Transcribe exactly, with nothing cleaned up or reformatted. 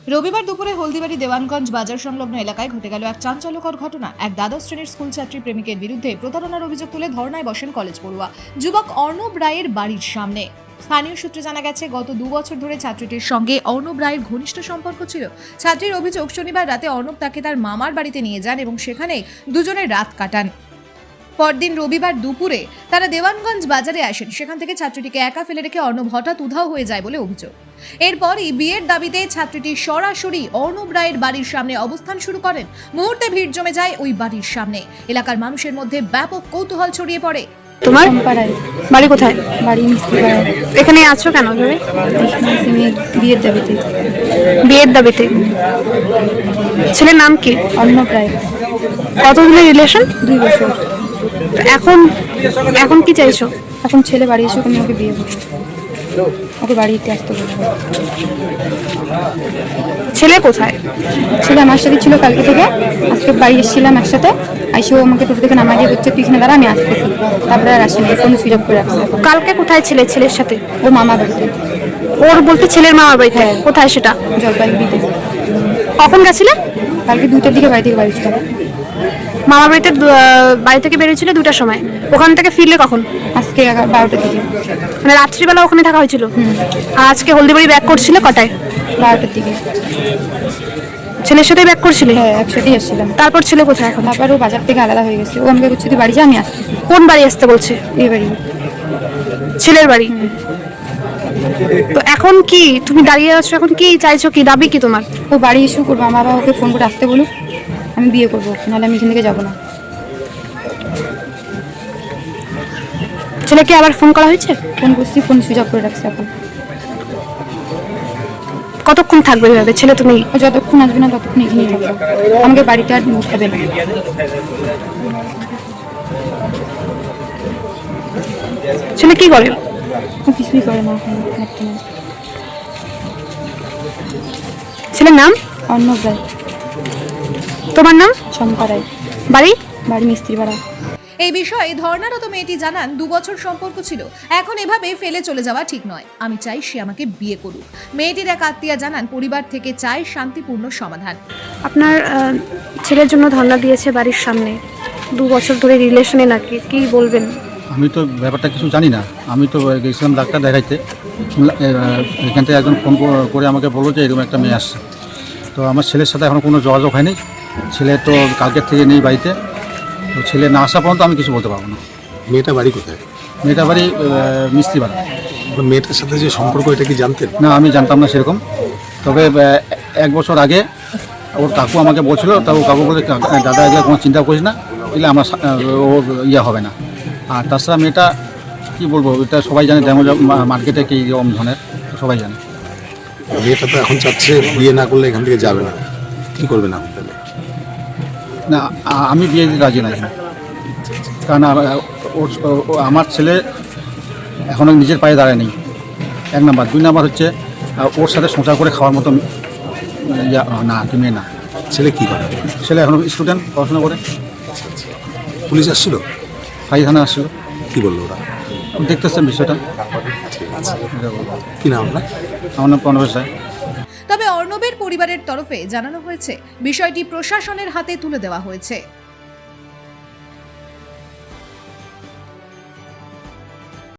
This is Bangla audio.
রবিবার দুপুরে হলদিবাড়ি দেওয়ানগঞ্জ বাজার সংলগ্ন এলাকায় ঘটে গেল এক চাঞ্চল্যকর ঘটনা। এক দ্বাদশ শ্রেণীর স্কুল ছাত্রী প্রেমিকের বিরুদ্ধে প্রতারণার অভিযোগ তুলে ধর্নায় বসেন কলেজ পড়ুয়া যুবক অর্ণব রায়ের বাড়ির সামনে। স্থানীয় সূত্রে জানা গেছে, গত দু বছর ধরে ছাত্রীটির সঙ্গে অর্ণব রায়ের ঘনিষ্ঠ সম্পর্ক ছিল। ছাত্রীর অভিযোগ, শনিবার রাতে অর্ণব তাকে তার মামার বাড়িতে নিয়ে যান এবং সেখানে দুজনে রাত কাটান। পরদিন রবিবার দুপুরে তারা দেওয়ানগঞ্জ বাজারে আসেন। সেখান থেকে ছাত্রীটিকে একা ফেলে রেখে অর্ণব হঠাৎ উধাও হয়ে যায় বলে অভিযোগ। এরপরই বিয়ের দাবিতে ছাত্রীটি সরাসরি অর্ণব রায়ের বাড়ির সামনে অবস্থান শুরু করেন। মুহূর্তে ভিড় জমে যায় ওই বাড়ির সামনে। এলাকার মানুষের মধ্যে ব্যাপক কৌতূহল ছড়িয়ে পড়ে। তোমার বাড়ি কোথায়? বাড়ি মিস্ত্রিপাড়ায়। এখানে আছো কেন ধরে? বিয়ের দাবিতে। বিয়ের দাবিতে। ছেলের নাম কি? অর্ণব রায়। কতদিনের রিলেশন? দুই বছর। এখন এখন কি চাইছো? এখন ছেলে বাড়ি এসে আমি ওকে বিয়ে করবো, ওকে বাড়িতে আসতে বলবো। ছেলে কোথায়? ছেলে আমার সাথে ছিল কালকে থেকে। আজকে বাড়ি এসেছিলাম একসাথে। আইসে ও আমাকে টোটো থেকে নামাই দিয়ে বলছে তুই এখানে দাঁড়া, আমি আসতেছি। তারপরে আর আসেনি, ফোন সুইচ অফ করে রাখছে। কালকে কোথায় ছিলে ছেলের সাথে? ও মামা বাড়িতে। ওর বলতে ছেলের মামার বাড়িতে? কোথায় সেটা? জলপাইগুড়িতে। কখন গেছিলে? কালকে দুইটার দিকে বাড়ি থেকে বাড়ি ছিল। মামার বাড়িতে দু- আহ, বাড়ি থেকে বেরিয়েছিল দুটার সময়। ওখান থেকে ফিরলে কখন? আজকে এগারো বারোটার দিকে। মানে রাত্রিবেলা ওখানে থাকা হয়েছিল। আর আজকে হলদিবাড়ি ব্যাক করছিলে কটায়? বারোটার দিকে। ছেলের সাথে ব্যাক করছিলে? হ্যাঁ, একসাথেই আসছিলাম। তারপর ছেলে কোথায় এখন? তারপর ও বাজার থেকে আলাদা হয়ে গেছে। ও আমাকে বলছে তুই বাড়ি যা, আমি আসতেছি। কোন বাড়ি আসতে বলছে? এই বাড়ি। ছেলের বাড়ি। তো এখন কি তুমি দাঁড়িয়ে আছো? এখন কি চাইছো? কি দাবি কি তোমার? ও বাড়ি ইস্যু করবো, আমার বাবা ওকে ফোন করে আসতে বলুক, আমি বিয়ে করবো, নাহলে আমি এখান থেকে যাবো না। ছেলেকে আবার ফোন করা হয়েছে? ফোন করছি, ফোন সুইচ অফ করে রাখছে। এখন কতক্ষণ থাকবে এভাবে? ছেলে তুমি ও যতক্ষণ আসবে না ততক্ষণ এখানেই থাকবো, আমাকে বাড়িতে আর উঠাবে না। ছেলে কি করে? ও কিছুই করে না এখন বর্তমানে। ছেলের নাম? অর্ণব রায়। তোমার নাম? শম্পা রায়। বাড়ি? বাড়ি মিস্ত্রিপাড়া। এই বিষয়ে ধর্নারত মেয়েটি জানান, দু বছর সম্পর্ক ছিল, এখন এভাবে ফেলে চলে যাওয়া ঠিক নয়। আমি চাই সে আমাকে বিয়ে করুক। মেয়েটির এক আত্মীয়া জানান, পরিবার থেকে চায় শান্তিপূর্ণ সমাধান। আপনার আহ, ছেলের জন্য ধর্ণা দিয়েছে বাড়ির সামনে, দু বছর ধরে রিলেশনে নাকি, কি বলবেন? আমি তো ব্যাপারটা কিছু জানি না। আমি তো গেছিলাম ডাক্তার দেখাইতে। শুনলাম, আহ, এখান থেকে একজন ফোন করে আমাকে বললো যে এরকম একটা মেয়ে আসছে। তো আমার ছেলের সাথে এখনও কোনো যোগাযোগ হয়নি। ছেলে তো কালকের থেকে নেই বাড়িতে। তো ছেলে না আসা পর্যন্ত আমি কিছু বলতে পারবো না। মেয়েটা বাড়ি কোথায়? মেয়েটা বাড়ি মিস্ত্রিপাড়া। মেয়েটার সাথে যে সম্পর্ক, এটা কি জানতেন? না, আমি জানতাম না সেরকম। তবে আহ, এক বছর আগে ওর কাকু আমাকে বলছিল, তা ও কাকু বলে দাদা এগুলো কোনো চিন্তা করিস না, এগুলো আমার সা- ও ইয়ে হবে না। আর তাছাড়া মেয়েটা কী বলবো, এটা সবাই জানে, ড্যামো মার্কেটে কী রকম ধরনের সবাই জানে। মেয়েটা তো এখন চাচ্ছে বিয়ে না করলে এখান থেকে যাবে না, কি করবে না তাহলে? না, আ- আমি বিয়ে দিতে রাজি না এখানে। কারণ আ- ওর ও- আমার ছেলে এখনও নিজের পায়ে দাঁড়ায়নি, এক নাম্বার। দুই নাম্বার হচ্ছে আ, ওর সাথে সংসার করে খাওয়ার মতো ইয়া না, কি মেয়ে না। ছেলে কি করে? ছেলে এখনও স্টুডেন্ট, পড়াশোনা করে। পুলিশ আসছিল? ফাই থানা আসছিল। কি বললো ওরা? দেখতেছেন বিষয়টা। ঠিক আছে। কি নাম আপনার? আমার নাম প্রণবেশ রায়। তবে অর্ণবের পরিবারের তরফে জানানো হয়েছে, বিষয়টি প্রশাসনের হাতে তুলে দেওয়া হয়েছে।